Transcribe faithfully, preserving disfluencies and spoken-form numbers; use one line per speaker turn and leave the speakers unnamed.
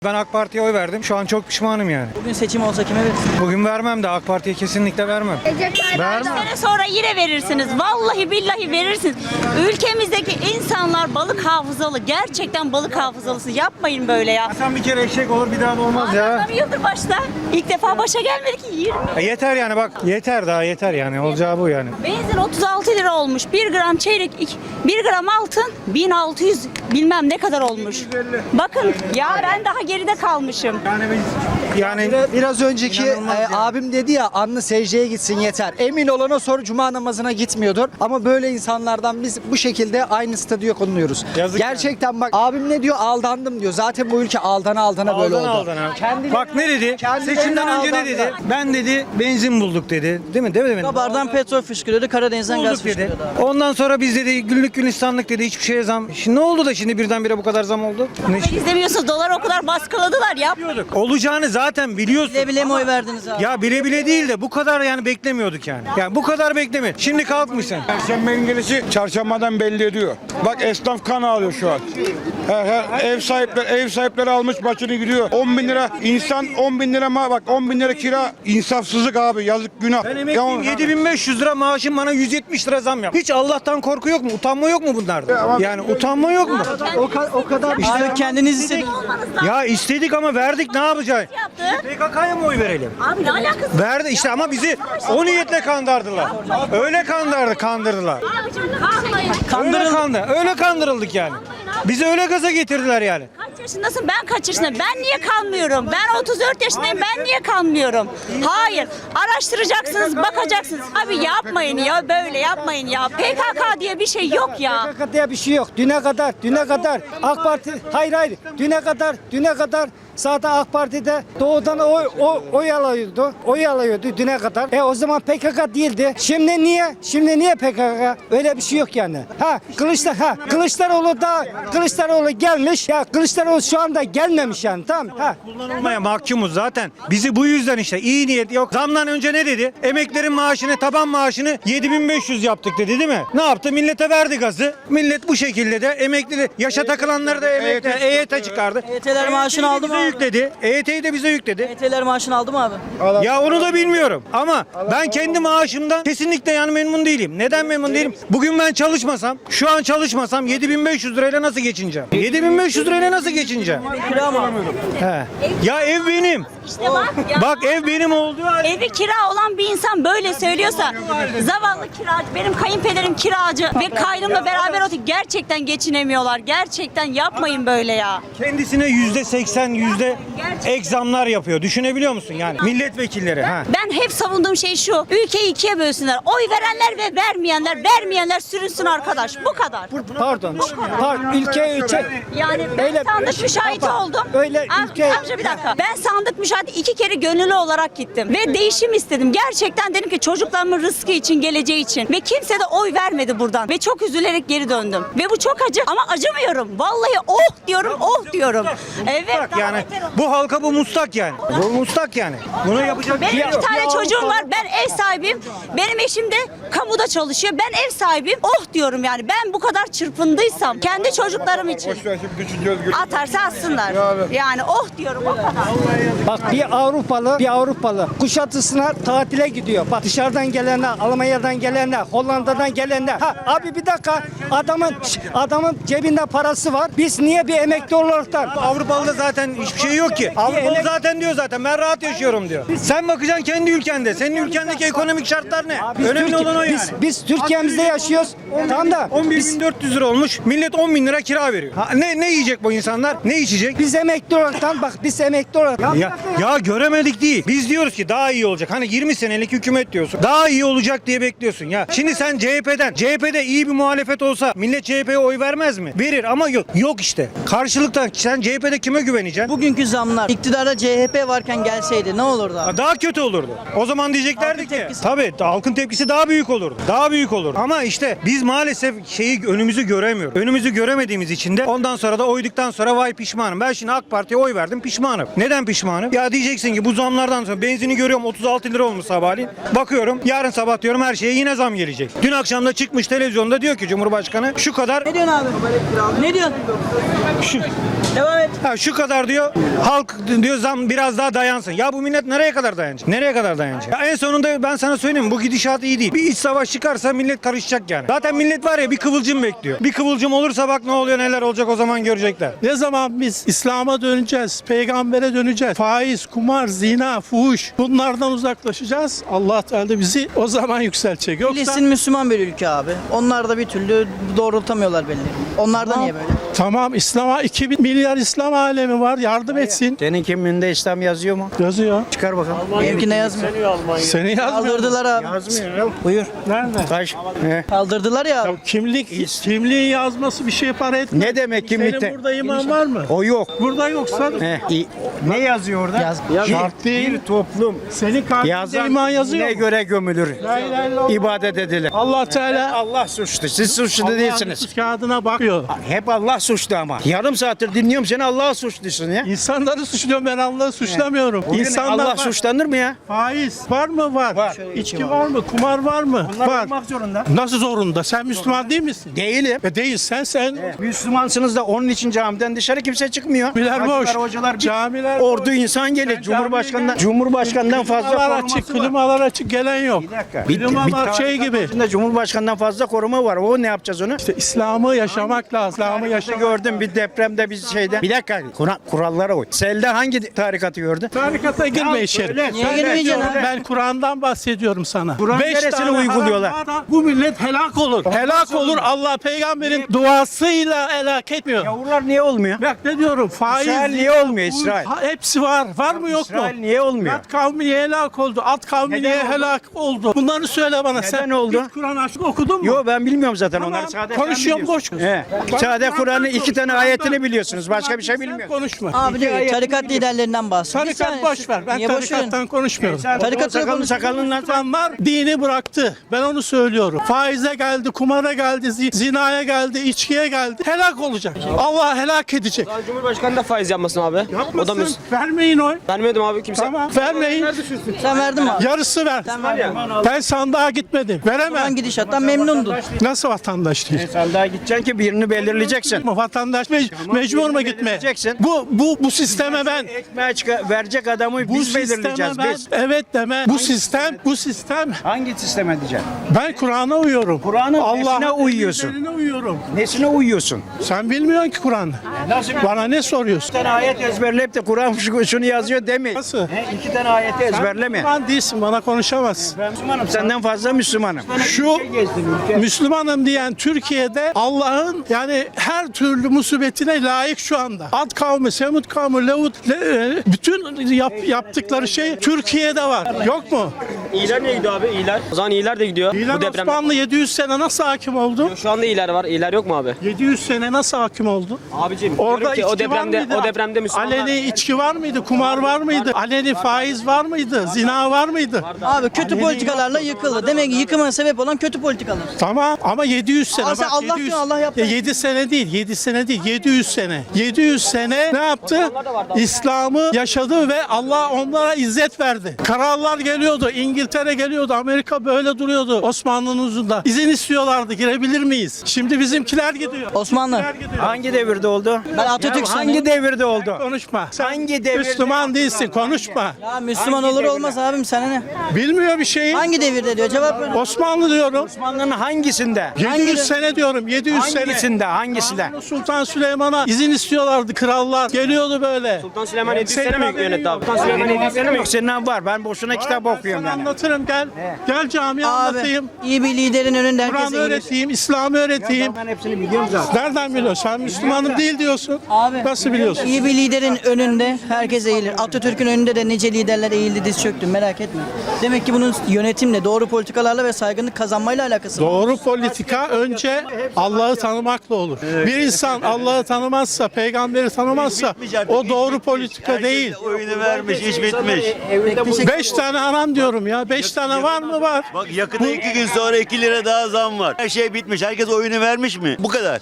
Ben AK Parti'ye oy verdim. Şu an çok pişmanım yani.
Bugün seçim olsa kime verirsin?
Bugün vermem de AK Parti'ye kesinlikle vermem.
Kaç sene sonra yine verirsiniz. Vallahi billahi verirsiniz. Ülkemizdeki insanlar balık hafızalı. Gerçekten balık hafızalısı. Yapmayın böyle ya.
Sen bir kere eşek olur bir daha da olmaz ya.
Adam yıldır başta. İlk defa başa gelmedi ki yirmi.
E yeter yani bak. Yeter daha yeter yani. Olacağı bu yani.
Benzin otuz altı lira olmuş. bir gram çeyrek, iki- bir gram altın bin altı yüz bilmem ne kadar olmuş. Bakın ya ben daha geride kalmışım.
Yani biz yani
Biraz önceki
İnanılmaz
e,
ya.
abim dedi ya anlı secdeye gitsin yeter. Emin olun o sonra cuma namazına gitmiyordur. Ama böyle insanlardan biz bu şekilde aynı statüye konuluyoruz.
Yazık
Gerçekten bak abim ne diyor aldandım diyor. Zaten bu ülke aldana aldana böyle oldu.
aldın aldın ha.
Kendileri-
Bak ne dedi?
kendileri
Seçimden önce ne dedi?
aldandılar.
Ben dedi benzin bulduk dedi. Değil mi? Değil mi?
Kabardan petrol fışkırıyordu, Karadeniz'den gaz
Bulduk dedi.
fışkırıyordu abi.
Ondan sonra biz dedi günlük gülistanlık dedi hiçbir şeye zam. Şimdi ne oldu da şimdi birdenbire bu kadar zam oldu? Ne iş-
İzlemiyorsunuz dolar o kadar baskıladılar ya.
Olacağını zaten biliyorsun.
Bile bile mi oy verdiniz abi?
Ya bile bile değil de bu kadar yani beklemiyorduk yani. Yani bu kadar bekleme. Şimdi kalkmışsın.
Perşembenin gelişi çarşambadan belli ediyor. Bak esnaf kan ağlıyor şu an. Her, her, ev sahipleri ev sahipleri almış başını gidiyor. on bin lira insan on bin lira ma bak on bin lira kira insafsızlık abi yazık günah.
Ben
Ya
emekliyim
on-
yedi bin beş yüz lira maaşım bana yüz yetmiş lira zam yap. Hiç Allah'tan korku yok mu? Utanma yok mu bunlarda? Yani utanma yok mu?
O, ka- o kadar
Abi kendiniz istediniz.
Ya istedik ama verdik ne yapacağız?
Yaptı.
P K K'ya mı oy verelim?
Abi ne alakası?
Verdi işte ama bizi o niyetle kandırdılar. Öyle kandırdı, kandırdılar.
Abicim kalkmayın.
Öyle kandı, öyle kandırıldık yani. Bizi öyle gaza getirdiler yani.
Kaç yaşındasın? Ben kaç yaşındayım? Ben niye kalmıyorum? Ben otuz dört yaşındayım. Ben niye kalmıyorum? Hayır. Araştıracaksınız, bakacaksınız. Abi yapmayın ya böyle yapmayın ya. P K K diye bir şey yok ya.
P K K diye bir şey yok. Düne kadar, düne kadar AK Parti, hayır hayır, düne kadar, düne kadar zaten AK Parti'de doğudan oy, oy, oy alıyordu, oy alıyordu düne kadar. E o zaman P K K değildi. Şimdi niye? Şimdi niye P K K? Öyle bir şey yok yani. Ha Kılıçlar, ha Kılıçdaroğlu da Kılıçdaroğlu gelmiş. Ya Kılıçdaroğlu şu anda gelmemiş yani tamam. Ha.
Kullanılmaya mahkumuz zaten. Bizi bu yüzden işte iyi niyet yok. Zamdan önce ne dedi? Emeklerin maaşını, taban maaşını yedi bin beş yüz yaptık dedi değil mi? Ne yaptı? Millete verdi gazı. Millet bu şekilde de emekli, yaşa takılanları da emekli, E Y T çıkardı.
E Y T'ler maaşını aldı mı
bize
abi?
yükledi. E Y T'yi de bize yükledi.
E Y T'ler maaşını aldı mı abi?
Ya onu da bilmiyorum ama ben kendi maaşımdan kesinlikle yani memnun değilim. Neden memnun değilim? Bugün ben çalışmasam, şu an çalışmasam yedi bin beş yüz lirayla nasıl geçineceğim? yedi bin beş yüz lirayla nasıl geçineceğim?
Kira mı?
He. Ya ev benim.
İşte bak ya.
Bak ev benim olduğu halde.
Evi kira olan bir insan böyle söylüyorsa zavallı kiracı, benim kayınpederim kiracı ve kaynımla beraber oturup gerçekten geçinemiyorlar. Gerçekten yapmayın böyle ya.
Kendisine yüzde seksen yüzde ek zamlar yapıyor. Düşünebiliyor musun yani? Milletvekilleri. Ha.
Ben hep savunduğum şey şu. Ülkeyi ikiye bölsünler. Oy verenler ve vermeyenler, vermeyenler sürünsün arkadaş. Bu kadar.
Pardon. Pardon. Ülke ülke.
Yani ben
Öyle-
sandık müşahidi
Baba,
oldum.
öyle
Am-
ülke-
Amca bir dakika. Ben sandık müşahidi iki kere gönüllü olarak gittim. Ve değişim istedim. Gerçekten dedim ki çocuklarımın rızkı için, geleceği için. Ve kimse de oy vermedi buradan. Ve çok üzülerek geri döndüm. Ve bu çok acı ama acımıyorum. Vallahi oh diyorum, oh diyorum. Evet.
Mustak
daha
yani.
beter oldu.
Bu halka bu mustak yani. Bu mustak yani. Bunu yapacak bir
Benim
şey
iki
yok.
tane çocuğum var. Ben ev sahibiyim. Benim eşim de kamuda çalışıyor. Ben ev sahibiyim. Oh diyorum yani. Ben bu kadar çırpındıysam kendi çocuklarım için.
Boş ver şimdi düşüneceğiz.
Atarsa atsınlar. Yani oh diyorum o kadar.
Bak bir Avrupalı, bir Avrupalı Kuşadası'na tatile gidiyor. Bak dışarıdan gelenler, Almanya'dan gelenler, Hollanda'dan gelenler. Ha abi bir dakika. Adamın adamın cebinde parası var. Biz niye bir emekli olaraktan
Avrupalı'da zaten hiçbir şey yok ki. Avrupalı zaten diyor zaten ben rahat yaşıyorum diyor. Sen bakacaksın kendi ülkende. Senin ülkendeki ekonomik şartlar ne?
Biz
Önemli
Türkiye-
olan o yani.
Biz, biz Türkiye'mizde yaşıyoruz. Tamam da
on bir
biz,
bin dört yüz lira olmuş. Millet on bin lira kira veriyor. Ha, ne ne yiyecek bu insanlar? Ne içecek?
biz emekli olaraktan bak biz emekli olarak.
Ya, ya göremedik değil. Biz diyoruz ki daha iyi olacak. Hani yirmi senelik hükümet diyorsun. Daha iyi olacak diye bekliyorsun ya. Şimdi sen C H P'den, C H P'de iyi bir muhalefet olsa millet C H P'ye oy vermez mi? Verir ama yok. Yok işte. Karşılıktan sen C H P'de kime güveneceksin?
Bugünkü zamlar iktidarda C H P varken gelseydi ne olurdu abi?
Daha kötü olurdu. O zaman diyeceklerdi
Halkın
ki
tepkisi.
tabii halkın tepkisi daha büyük olurdu. Daha büyük olurdu. Ama işte biz maalesef şeyi önümüzü göremiyoruz. Önümüzü göremediğimiz için de ondan sonra da oyduktan sonra sonra vay pişmanım. Ben şimdi AK Parti'ye oy verdim, pişmanım. Neden pişmanım? Ya diyeceksin ki bu zamlardan sonra benzini görüyorum otuz altı lira olmuş sabahleyin. Bakıyorum yarın sabah diyorum her şeye yine zam gelecek. Dün akşam da çıkmış televizyonda diyor ki Cumhurbaşkanı şu kadar
Ne diyorsun abi? Ne diyorsun?
şu,
Devam et.
ha, şu kadar diyor halk diyor zam biraz daha dayansın. Ya bu millet nereye kadar dayanacak? Nereye kadar dayanacak? Ya en sonunda ben sana söyleyeyim bu gidişat iyi değil. Bir iç savaş çıkarsa millet karışacak yani. Zaten millet var ya bir kıvılcım bekliyor. Bir kıvılcım olursa bak ne oluyor neler olacak o zaman görecekler.
Ne zaman biz İslam'a döneceğiz, peygambere döneceğiz, faiz, kumar, zina, fuhuş bunlardan uzaklaşacağız. Allah Teala bizi o zaman yükseltecek. Yoksa
Filistin Müslüman bir ülke abi. Onlar da bir türlü doğrultamıyorlar belli. Onlar da niye böyle?
tamam İslam'a iki bin milyar İslam alemi var, yardım etsin.
Senin kimliğinde İslam yazıyor mu?
Yazıyor.
Çıkar bakalım.
Benimki ne yazmıyor?
Seni yazmıyor.
Kaldırdılar abi.
Yazmıyor. Buyur.
Nerede?
Kaç? He.
Kaldırdılar ya.
Ya kimlik, kimliğin yazması bir şey para etmez.
Ne demek kimlikte?
Senin burada iman var mı?
O yok.
Burada yoksa
He. İ- Ne yazıyor orada?
Yaz.
şart değil.
Bir toplum
Senin kalbinde
yazan
iman yazıyor
ne
mu?
göre gömülür.
La ilahe illallah.
İbadet edilir.
Allah Teala
Allah suçlu. Siz suçlu değilsiniz.
Allah'ın kağıdına bakıyor.
Hep Allah suçlu ama. Yarım saattir dinliyorum seni Allah'a suçlusun ya.
İnsanları suçluyorum, ben Allah'ı suçlamıyorum.
Bugün
İnsanlar
Allah
var.
suçlanır mı ya?
Faiz var mı? Var.
Var.
İçki var mı? Kumar var mı? var.
olmak zorunda.
Nasıl zorunda? Sen Müslüman değil misin?
Değilim.
E değil. Sen sen.
Müslümansınız da onun için camiden dışarı kimse çıkmıyor.
Camiler boş.
Hacılar, hocalar, bir
Camiler
ordu
boş.
insan gelir.
Sen
Cumhurbaşkanından
camiye
Cumhurbaşkanından fazla
Klimalar
koruması
açık,
var.
klimalar açık gelen yok.
Bir dakika.
Klimalar şey gibi.
Şimdi Cumhurbaşkanından fazla koruma var. O ne yapacağız onu?
İşte İslam'ı yaşamak lazım. İslam'ı
Tarikatı
yaşamak.
gördüm bir depremde bir şeyde. Bir dakika. Kur- kurallara uy. Selde hangi tarikatı gördün?
Tarikata girme
Ya
içeri.
söyle,
Niye
söyle,
girmeyeceksin
söyle.
abi?
Ben Kur'an'dan bahsediyorum sana.
Kur'an
Beş
neresini
tane
uyguluyorlar?
haram var, bu millet helak olur. Helak olur. Allah peygamberin duasıyla helak etmiyor.
Yavrular niye olmuyor?
Bak ne diyorum, faiz.
İsrail niye
zina,
olmuyor,
fuhuş,
İsrail?
ha- hepsi var. Var mı yok mu?
İsrail niye olmuyor?
At kavmi niye helak oldu? At kavmi
Neden
niye
oldu?
helak oldu? Bunları söyle bana.
Neden
Sen
oldu?
hiç Kur'an açıp okudun mu?
Yo ben bilmiyorum zaten
Tamam,
onları. Sade
konuşuyorum,
sen
boş.
biliyorsun. He. Sade Kur'an'ın iki tane ayetini biliyorsunuz. Başka bir şey
Sen
bilmiyorsunuz.
konuşma.
Abi diyor ki, tarikat liderlerinden bahsediyor. Bir
Tarikat
saniye,
boş ver. Ben
niye boş
tarikattan
verin?
konuşmuyorum.
Tarikatı
sakalın
konuş-
sakalınla
Müslümanlar dini bıraktı. Ben onu söylüyorum. Faize geldi, kumara geldi, zi- zinaya geldi, içkiye geldi. Helak olacak. Allah helak edecek.
Cumhurbaşkanı da faiz yapmasın abi. O da
Yapmasın.
Müslüman.
Vermeyin oy.
Vermedim abi kimse.
Tamam. Vermeyin.
Sen verdin mi abi?
Yarısı ver.
Sen verdin.
Ben sandığa gitmedim. Veremem.
Ulan gidişattan memnundun.
Nasıl vatandaş değil?
Sen daha gideceksin ki birini belirleyeceksin.
Ama vatandaş mec- mecbur mu gitmeye?
belirleyeceksin.
Bu bu bu sisteme ben
Ekmeğe çıka- verecek adamı
bu
biz
sisteme
belirleyeceğiz
ben
biz.
evet deme. Bu sistem bu sistem
Hangi sisteme diyeceksin?
ben Kur'an'a uyuyorum.
Kur'an'ın nesine uyuyorsun?
emirlerine uyuyorum.
Nesine uyuyorsun?
Sen bilmiyorsun ki Kur'an'ı.
Nasıl
Bana ne soruyorsun?
Bir tane ayet ezberleyip de Kur'an şu- şunu yazıyor demeyin.
Nasıl?
He, iki tane ayeti ezberleme.
Müslüman değilsin, bana konuşamazsın.
Ben Müslümanım. Senden fazla Müslümanım.
Şu Müslümanım diyen Türkiye'de Allah'ın yani her türlü musibetine layık şu anda. Ad kavmi, Semud kavmi, Levut, Le- e, bütün yap- yaptıkları şey Türkiye'de var. Yok mu?
İyiler ne gidiyor abi? İyiler. O zaman iyiler de gidiyor.
İlan
Bu depremde.
Osmanlı yedi yüz sene nasıl hakim oldu?
Şu anda iyiler var. İyiler yok mu abi?
yedi yüz sene nasıl hakim oldu?
Abicim
Orada
diyorum ki o
içki var
depremde
mıydı?
o depremde Müslümanlar
Aleni içki var mıydı? Kumar var mıydı? Aleni faiz var mıydı? Zina var mıydı?
Abi kötü politikalarla yıkıldı. Demek ki yıkımına sebep olan kötü politikalar.
Tamam ama yedi yüz sene.
Ama sen
bak,
Allah
yedi yüz
diyor, Allah yaptı.
Ya yedi sene değil, yedi sene değil, yedi yüz sene. yedi yüz sene ne yaptı? İslam'ı yaşadı ve Allah onlara izzet verdi. Kararlar geliyordu, İngiltere geliyordu, Amerika böyle duruyordu Osmanlı'nın uzunda. İzin istiyorlardı, girebilir miyiz? Şimdi bizimkiler gidiyor.
Osmanlı.
Bizimkiler gidiyor.
Hangi devirde oldu?
Ben Atatürk
Ya
sanıyorum.
hangi devirde oldu?
Konuşma. Sen
Hangi devirde
Müslüman değilsin, konuşma.
Ya Müslüman
Hangi
olur
devirde?
olmaz abim sana ne?
Bilmiyor bir şeyi.
Hangi devirde diyor cevap ver.
Osmanlı diyorum.
Osmanlı'nın hangisinde?
yedi yüz sene diyorum, yedi yüz sene.
Hangisinde? Hangisinde?
Sultan Süleyman'a izin istiyorlardı krallar. Geliyordu böyle.
Sultan Süleyman yedi yüz
Senin
sene mi
haberin
yönetti abi?
yok.
Sultan Süleyman yedi yüz sene mi?
Yok senin var. Ben boşuna kitap
Ben
okuyorum
sana
yani.
anlatırım gel. Gel camiye anlatayım.
Abi iyi bir liderin önünde
Kur'an
herkes eğilir.
öğreteyim, İslam'ı öğreteyim.
Ben hepsini biliyorum zaten.
Nereden biliyorsun? Sen Müslümanım değil diyorsun.
Abi.
Nasıl biliyorsun?
İyi bir liderin önünde herkes eğilir. Atatürk'ün önünde de nice liderler eğildi diz çöktü merak etme. Demek ki bunun yönetimle, doğru politikalarla ve saygınlık kazanmayla alakası var.
Doğru politika önce Allah'ı tanımakla olur. Bir insan Allah'ı tanımazsa, peygamberi tanımazsa o doğru politika değil.
Oyunu vermiş, iş bitmiş.
Beş tane haram diyorum ya. Beş tane var mı? Var.
Bak yakında iki gün sonra iki lira daha zam var. Her şey bitmiş. Herkes oyunu vermiş mi? Bu kadar.